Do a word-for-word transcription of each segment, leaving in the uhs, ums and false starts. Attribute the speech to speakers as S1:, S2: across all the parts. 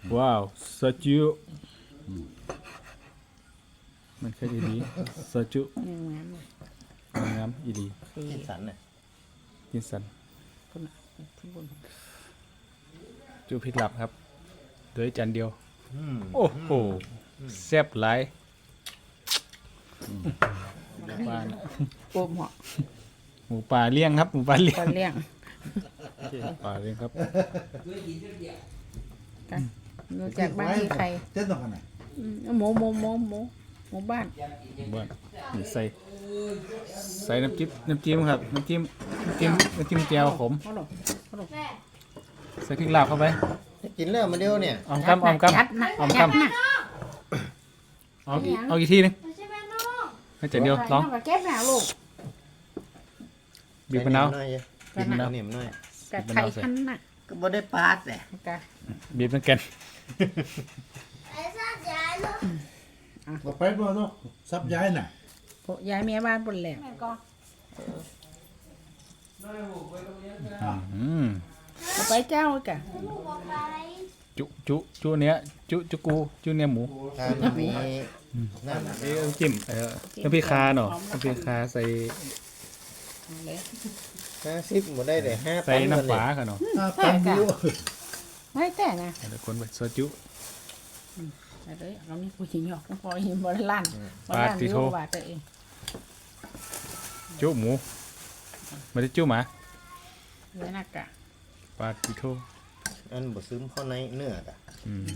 S1: ว้าวซาจูมันแค่ดีๆซาจู
S2: ยังงามเลย
S1: งามอีดี
S3: กินสันน่ะ
S1: กินสัน
S2: คนน่ะที่บน
S1: จูพริกหลับครับโดยจานเดียว
S3: อืม
S1: โอ้โหแซ่บหลายหมูป่าน่ะ
S2: โอมเหาะ
S1: หมูป่าเลี้ยงครับหมูป่าเลี้ย
S2: ป
S1: ง
S2: ลาเลี้ยง
S1: ป่าเลี้ยงครับ
S2: กันรู้จักบ้านที่ใคร
S4: เต้นตรงกันไหน
S2: อืมหมูหมูหมูหมูหมูบ้าน
S1: บ้านนี่ใส่ใส่น้ำจิ้มน้ำจิ้มครับน้ำจิ้มน้ำจิ้มน้ำจิ้มแจ่วขม
S2: เขาหลงเขาหลง
S1: ใส่พริกลาบเข้าไป
S3: กินแล้วมาเดียวเนี่ย
S1: ออมกำออมก
S2: จัดนะ
S1: ำออม
S2: จัด
S1: กำ
S2: นะ
S1: เอาอีกเอาอีกทีหนึงให้จานเดียวลอง
S2: เก็บหนาลูก
S1: บีบมะนาว
S3: หน่อย
S1: บีบมะนาว
S3: เหนียวหน่อย
S2: กะไข่พันน่ะ
S3: ก็บ่ได้ปาดแหละ
S2: กะ
S1: บีบน้ำแกัน
S4: เราไปบ่เนาะซับย้ายน่ะ
S2: พวกย้ายเมียบ้านบนแหลก
S1: อืม
S2: เอาไปเจ้ากะ
S1: จุจุจุเนี้ยจุจุกูจุเนี้ยหมู
S3: ถ้ามันมีนั่น
S1: เอ้ยน้ำจิ้มเออน้ำพริกคาเนาะน้ำพริกคาใส่
S2: เอาเลย
S3: ห้าสิบบ่ได้เลยห้า
S1: ใส่น้ำปลาค่ะเนาะ
S4: อ่าตังดิว
S2: ไม่แต่นะ
S1: เดี๋ยวคนไปซอจุ
S2: เอาเลยเรานี่ผู้หญิงหยอกพอเห็นบริล้านบริ
S1: ปา
S2: ล้าน
S1: ติโท
S2: รู้ว่าตัวเอง
S1: จุหมูไม่ได้จุหมา
S2: เนื้อนักกะ
S1: ปาติโท
S3: อันบ่ซึมเข้าในเนื้ออ่ะ
S1: อืม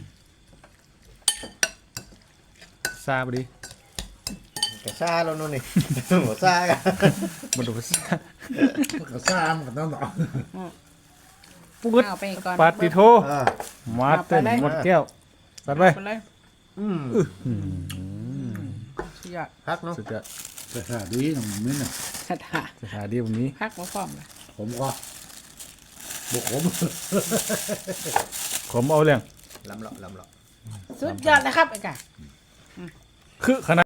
S1: ซาบดี
S3: กะซ่าแล้วนู่นนี่ บ่ซ่ากัน
S1: มาดูซา
S4: มันก็ซ้ำกันต้องต่อ
S1: ปุ๊ด
S2: เอาไปก่อน
S1: ปาติโท
S3: อ่า
S1: มาเต้นหมดแก้วสัดไป
S2: ไปเลย
S3: อืม
S1: อืม
S2: สุดยอด
S3: พักเนาะ
S1: สุดยอด
S4: แต่ถ้าดีน้องมิ้นน่ะ
S2: สถา
S1: สถานที่แบบนี้
S2: พักมาพร้อมเลย
S4: ผมก็บุกผม
S1: ผมเอาเรื่อง
S3: ลำเลาะลำเลาะ
S2: สุดยอดนะครับไอ้กะ
S1: คือขนาด